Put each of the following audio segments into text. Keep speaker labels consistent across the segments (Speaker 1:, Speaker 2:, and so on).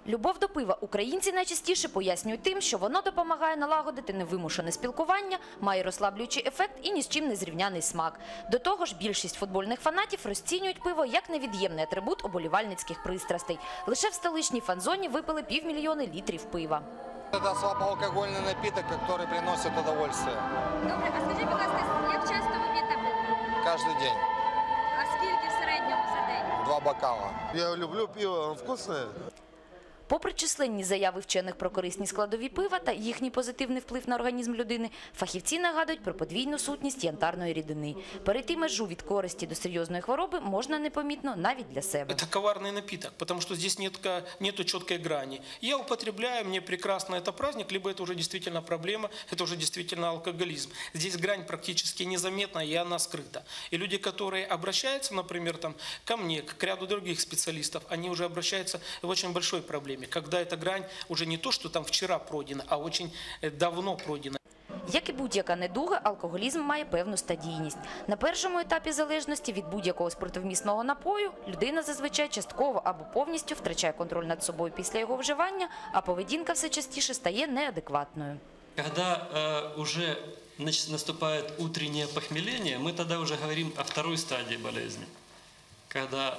Speaker 1: Любов до пива українці найчастіше пояснюють тим, що воно допомагає налагодити невимушене спілкування, має розслаблюючий ефект і ні з чим не зрівняний смак. До того ж, більшість футбольних фанатів розцінюють пиво як невід'ємний атрибут оболівальницьких пристрастей. Лише в столичній фан-зоні випили 500 000 літрів пива.
Speaker 2: Это слабоалкогольный напиток, который приносит удовольствие.
Speaker 3: Добре, а скажіть, будь ласка, як часто ви п'єте пиво?
Speaker 2: Каждый день.
Speaker 3: А скільки в середньому за день?
Speaker 2: 2 бокала.
Speaker 4: Я люблю пиво, оно вкусное.
Speaker 1: Попри численні заяви вчених про корисні складові пива та їхній позитивний вплив на організм людини, фахівці нагадують про подвійну сутність янтарної рідини. Перейти межу від користі до серйозної хвороби можна непомітно навіть для себе.
Speaker 5: Это коварный напиток, потому что здесь нету четкой грани. Я употребляю, мне прекрасно, это праздник, либо это уже действительно проблема, это уже действительно алкоголизм. Здесь грань практически незаметна, и она скрыта. И люди, которые обращаются, например, ко мне, к ряду других специалистов, они уже обращаются в очень большой проблеме, когда эта грань уже не то, что там вчера пройдена, а очень давно пройдена.
Speaker 1: Як і будь-яка недуга, алкоголізм має певну стадійність. На першому етапі залежності від будь-якого спиртовмісного напою людина зазвичай частково або повністю втрачає контроль над собою після його вживання, а поведінка все частіше стає неадекватною.
Speaker 6: Когда уже наступает утреннее похмеление, мы тогда уже говорим о второй стадии болезни. Когда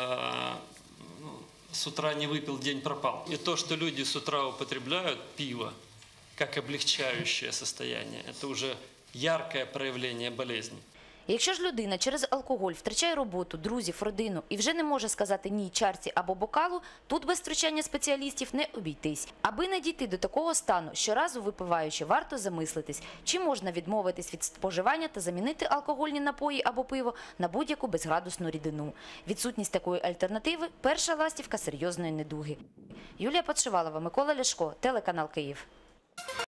Speaker 6: с утра не выпил, день пропал. И то, что люди с утра употребляют пиво, как облегчающее состояние, это уже яркое проявление болезни.
Speaker 1: Якщо ж людина через алкоголь втрачає роботу, друзів, родину і вже не може сказати «ні» чарці або бокалу, тут без втручання спеціалістів не обійтись. Аби не дійти до такого стану, щоразу випиваючи, варто замислитись, чи можна відмовитись від споживання та замінити алкогольні напої або пиво на будь-яку безградусну рідину. Відсутність такої альтернативи – перша ластівка серйозної недуги. Юлія Подшивалова, Микола Ляшко, телеканал Київ.